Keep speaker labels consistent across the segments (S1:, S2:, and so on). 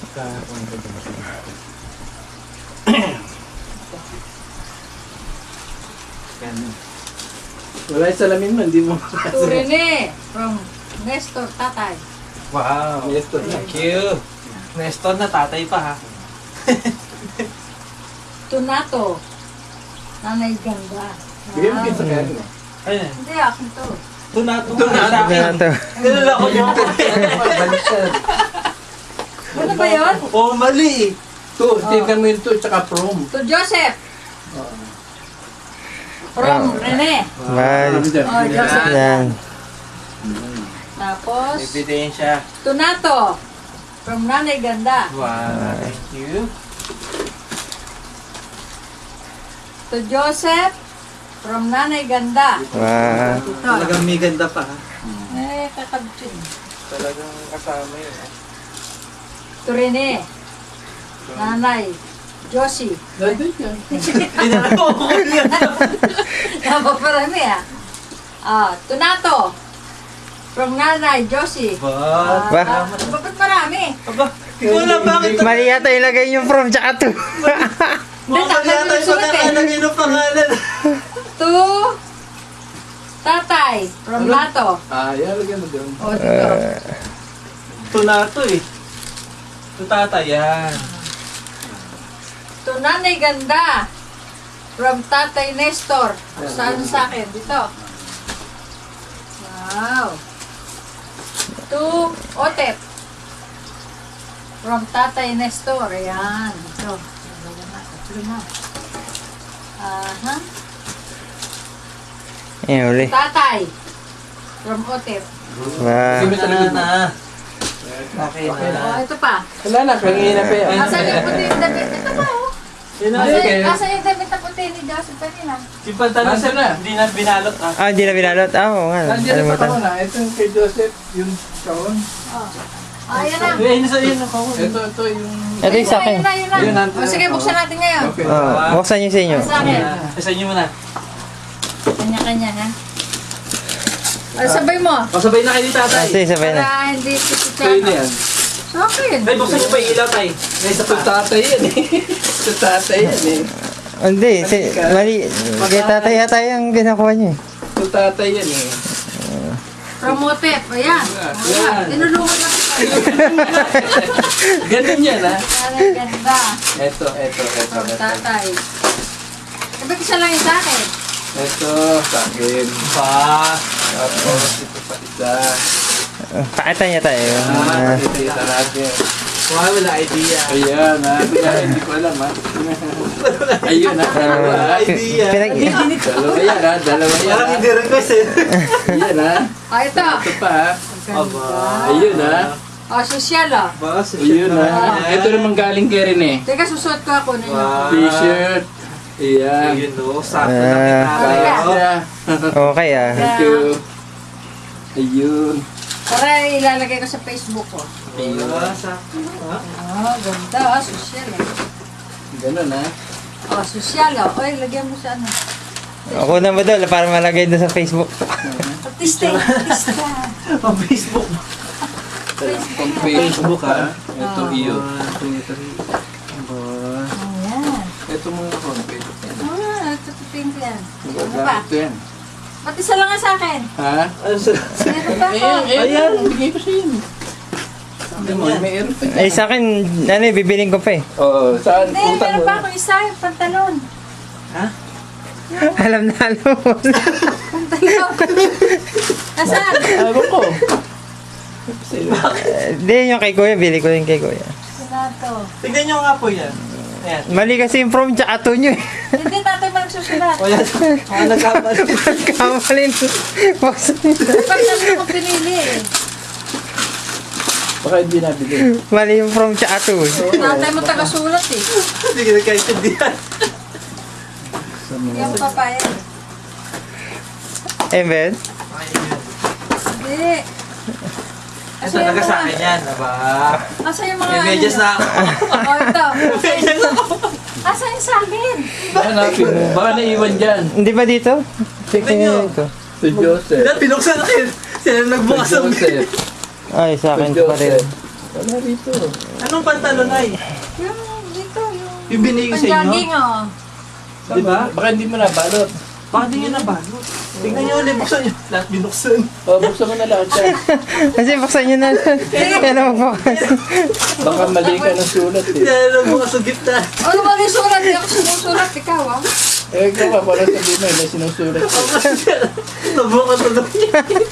S1: Wala yung salamin mo, hindi mo.
S2: To Rene from Nestor Tatay.
S3: Wow.
S1: Nestor.
S3: Thank you. Nestor na tatay pa ha.
S2: To Nato. Nanay ganda.
S1: Bigyan mo sa kanya.
S3: Ayun.
S2: Hindi, akin to.
S3: Tunato.
S4: Tunato.
S3: Nilala ko yung
S1: Baliktad.
S2: Ano ba yun?
S3: oh, mali.
S1: Tingnan mo yung to, tsaka prom.
S2: To Joseph. From Rene.
S4: Bye.
S2: Oh, Joseph.
S4: Yan.
S2: Tapos,
S3: Ebidensya.
S2: to Nato. From Nanay Ganda.
S3: Wow. Thank you.
S2: To Joseph. From Nanay Ganda.
S4: Wow.
S2: Ito.
S3: Talagang may ganda pa ha.
S2: Kakabit yun.
S3: Talagang kasama yun ha.
S2: To Rene. Nanay. Josie.
S1: Nandun yan.
S3: Dinala ko ko yan.
S2: Napaparami to Nato. From Nanay Josie.
S3: Ba?
S4: Ba?
S2: Bakit marami?
S3: Aba, wala bakit?
S4: Mali yata ilagay yung from tsaka to.
S3: Mukhang mali yata yung pagkakalagay ng pangalan.
S2: To Tatay. From Nato.
S1: Yan, lagyan mo doon.
S2: O, dito.
S3: Tunato eh. Tutata yan.
S2: To Nanay Ganda. From Tatay Nestor. Saan sa akin? Dito. Wow. To Otep. From Tatay Nestor. Ayan. Ito. Tatlo na. Aha.
S4: Yan uli.
S2: Tatay. From Otep.
S4: Wow.
S1: Sige, sa likod mo.
S3: Okay
S1: Okay
S3: na.
S2: Oh, ito pa.
S1: Wala na, kanina pa yan.
S2: Asan yung puti yung damit? Ito pa, oh.
S3: Yun na.
S1: Okay.
S2: Asan yung damit na puti ni Joseph kanina?
S3: Si pantalon
S1: Nasaan na?
S3: hindi na binalot ah.
S4: Ah, hindi na binalot. Ah, oo nga.
S1: Nandiyan na sa
S4: Alimutan.
S1: kawan na. Ito yung kay Joseph, yung kawan.
S2: Oh. Ayan na.
S3: Eh, nasa yun ang kawin.
S1: Ito yung...
S4: Ito yung sa akin.
S2: Yun na, yun na.
S1: Yun na.
S2: O, sige, buksan natin ngayon.
S1: Okay.
S4: Oh, buksan nyo sa inyo.
S2: Sa akin.
S3: Isa nyo muna.
S2: Kanya-kanya, ha? O, sabay mo.
S3: Pasabay na kayo ni
S4: Ah,
S3: tatay.
S4: sige, sabay na.
S2: Para hindi
S1: Sa'yo na yan.
S2: Sa akin.
S3: Ay, buksan nyo pa yung ilaw tay. May isa
S1: Ito
S3: pa.
S1: tatay yan eh. Ito tatay yan eh.
S4: Hindi, mali. Kaya tatay yata yung ginakuha niyo.
S1: Ito tatay yan eh.
S2: Promotep. Ayan.
S1: Yan.
S2: Tinulungan na kita.
S1: Ganun yan ha.
S2: Parang ganda.
S1: Ito.
S2: O, tatay. Sabay isa lang yung sa akin.
S1: Ito, sa akin.
S3: Pa.
S1: Tapos, ito pa isa.
S4: Pakita niya tayo.
S1: Pakita natin.
S3: Wow, wala idea.
S1: Ayan ha. Kaya hindi ko alam ha. Ayun ha. Dalawa.
S3: idea.
S1: Dalawa yan ha. Dalawa yan
S3: Parang
S1: ha.
S3: hindi request eh.
S1: Ayan ha.
S2: O, ito.
S1: Ito pa ha.
S3: Aba.
S1: Ayun ha.
S2: O, sosyal, o.
S3: Ba, sa
S1: Ayun ha. Ito naman galing kay Rene.
S2: Teka, susuot ko ako na yun.
S3: Wow.
S1: T-shirt. Ayan.
S3: Ayun no, sakto na kita.
S2: Talaga.
S4: Okay ah.
S1: Thank you. Ayun.
S2: Para ilalagay ko sa Facebook ko.
S3: Ayun, sakto.
S2: Oh, ganda. Sosyal, eh.
S1: Ganun ha.
S2: Oh, sosyal, oh. Oy, lagyan mo sa ano.
S4: Ako na ba doon para malagay doon sa Facebook?
S2: Artista, artista.
S3: Ang Facebook.
S1: Pang Facebook ha. Ito iyo.
S2: Ayan.
S1: Ito mga homepage.
S2: Ah, ito pink yan. Ano pa?
S1: Ito yan.
S2: Ba't isa lang nga sa akin?
S1: Ha?
S2: Meron pa ako.
S1: Ayan. Bigay ko sa iyo. Mayroon pa
S4: Ay sa akin, ano eh, bibiling ko pa eh.
S1: Oo. Saan?
S2: Hindi, meron pa ako isa, yung pantalon.
S4: Alam na alam mo.
S2: Pantalon. Nasaan?
S1: Ewan ko.
S4: Hindi, yung kay Kuya, bili ko yung kay Kuya.
S2: Sinato.
S3: Tignan nyo nga po yan. Ayan.
S4: Mali kasi yung from tsaka to nyo eh.
S2: Hindi, tatay mo nagsusulat.
S3: O yan. Nagkamali.
S4: Kamalin.
S2: Pantalon ko pinili eh.
S1: Baka hindi nabili.
S4: Mali yung from tsaka to eh.
S2: Tatay mo tagasulat eh.
S3: Hindi ka nagkaintindihan.
S2: Yung papaya.
S4: Eh, Ben?
S2: Hindi.
S3: Ito, taga sa akin yan. Aba.
S2: Asa yung mga
S3: May medyas na ako.
S2: Oh, ito.
S3: Medyas na ako.
S2: Asa yung sa akin?
S1: Baka napin mo. Baka naiwan dyan.
S4: Hindi ba dito? Check
S3: Tingnan nyo.
S4: nyo dito.
S1: Si Joseph.
S3: Dahil pinuksan na kayo. Sila nagbukas
S1: Si
S3: ang
S1: Joseph.
S4: Ay, sa
S1: Si
S4: akin pa rin.
S1: Joseph. Wala rito.
S3: Anong pantalon ay?
S2: Yung dito, yung...
S3: Yung binigay sa inyo?
S2: Panjogging, oh.
S3: Di ba?
S1: Baka hindi mo nabalot.
S3: Baka di nyo nabalot. Tingnan nyo ulit, buksan nyo. Lahat binuksan.
S1: O, buksan mo na lahat yan.
S4: Kasi buksan nyo na. Yan ang magbukas.
S1: Baka mali ka ng sulat eh.
S3: Yan ang bukas sa gitna.
S2: Ano ba yung sulat? Hindi ako sumusulat. Ikaw, ah.
S1: Eh, ikaw ka pala sabihin mo, may sinusulat ko.
S3: Nabukas na doon.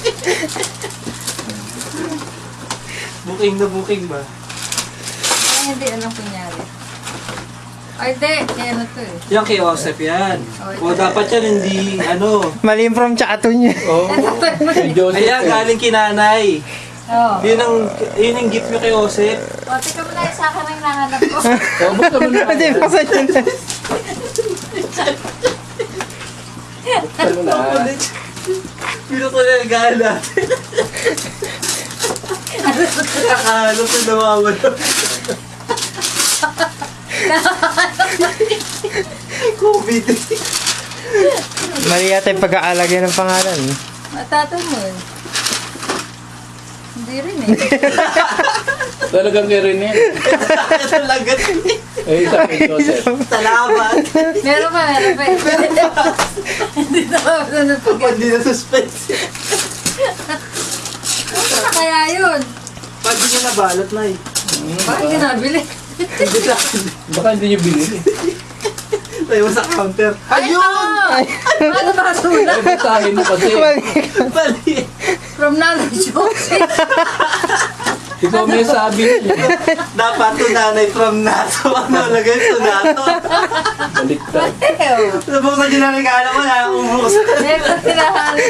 S3: Booking na booking ba?
S2: Ay, hindi. Anong kunyari? Ay, hindi. Kaya na to, eh.
S3: Yan kay Joseph yan. O dapat yan hindi, ano.
S4: Mali yung from Chaton niya.
S1: Oo. Kay Joseph.
S3: Ayan, galing kinanay.
S2: Oo.
S3: Yun ang gift nyo kay Joseph.
S2: O, tika mo na yung sa akin ang nahanap ko.
S1: O, buksan mo na.
S4: Kasi buksan nyo na.
S1: Buksan mo na.
S3: Pinuto na yung gala. Nakakalo sa nawawala. COVID.
S4: Mali yata yung pag-aalagay ng pangalan.
S2: Matatan mo, eh. Hindi rin, eh.
S1: Talagang kay Rene.
S3: Talaga.
S1: Eh, isa kay Joseph.
S3: Salamat.
S2: Meron pa, meron pa. Hindi na ako sunod pa.
S3: Kapag di na suspense.
S2: Ano kaya yun?
S3: Pag di nyo nabalot na eh.
S2: Bakit hindi nabili?
S3: Hindi na.
S1: Baka hindi niyo binili.
S3: Tayo mo sa counter.
S2: Ayun! Ano ba sulat?
S1: Eh, basahin mo kasi.
S3: Mali.
S2: From Nanay Joseph.
S1: Ikaw may sabi niya.
S3: Dapat to nanay from NATO. Ano lagay to NATO?
S1: Baliktad.
S2: Ew.
S3: Nabuksan nyo na regalo ko na umubuksan.
S2: Meron tinahanap.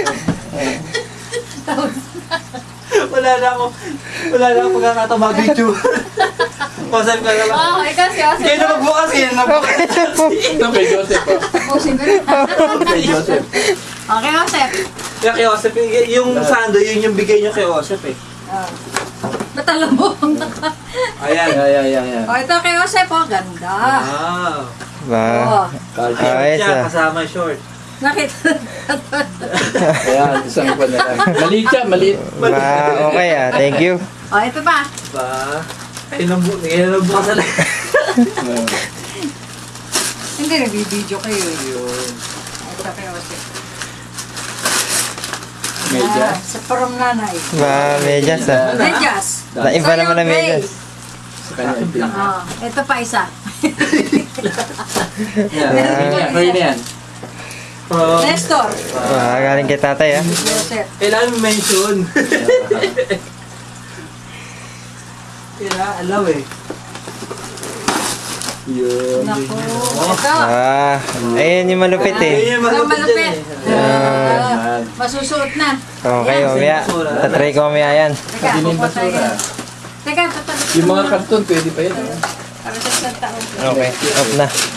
S3: Wala na ako pagkakataon mag-video. Pasal ka naman.
S2: Oh, ikaw si Joseph.
S3: Kaya na magbukas, kaya na magbukas.
S1: Ito kay Joseph.
S2: Pusin ko rin.
S1: Kay Joseph.
S2: Okay, Joseph.
S3: Kaya kay Joseph, yung sando, yun yung bigay nyo kay Joseph eh.
S2: Oh. Ba't alam mo?
S3: Ayan.
S1: Ayan.
S2: Oh, ito kay Joseph. Oh, ganda.
S3: Wow.
S4: Ba?
S2: Oh.
S4: Ayos
S3: Siya,
S4: ah.
S3: kasama yung short.
S2: Nakita.
S1: Ayan, isang pa na lang. Maliit siya, maliit.
S4: Ba, okay ah. Thank you.
S2: Oh, ito pa.
S3: Ba? Kaya na bukas na lang.
S2: Hindi, nagbibideo kayo.
S3: Yun.
S2: Ito kay Joseph.
S1: Medya.
S2: Sa from Nanay.
S4: Ba, medyas ah.
S2: Medyas.
S4: Naiba naman ang medyas.
S1: Sa kanya din.
S2: Oh, ito pa isa.
S1: Yan, Rene yan.
S2: Nestor.
S4: Ah, galing kay tatay ah.
S2: Joseph.
S3: Kailangan mention. Kailangan alaw eh.
S1: Yun.
S2: Naku. Ito.
S4: Ah, ayun yung malupit eh.
S3: Ayun yung
S2: Ito
S3: malupit
S2: malupit.
S3: dyan eh.
S1: Yan.
S2: Masusuot na.
S4: Okay, mamaya. Tatry ko mamaya yan.
S2: Teka,
S1: Hindi na yung
S2: kukuha tayo.
S1: basura.
S2: Teka, tatabi.
S1: Yung mga karton, pwede pa yun.
S2: Para sa isang taon.
S4: Okay, off na.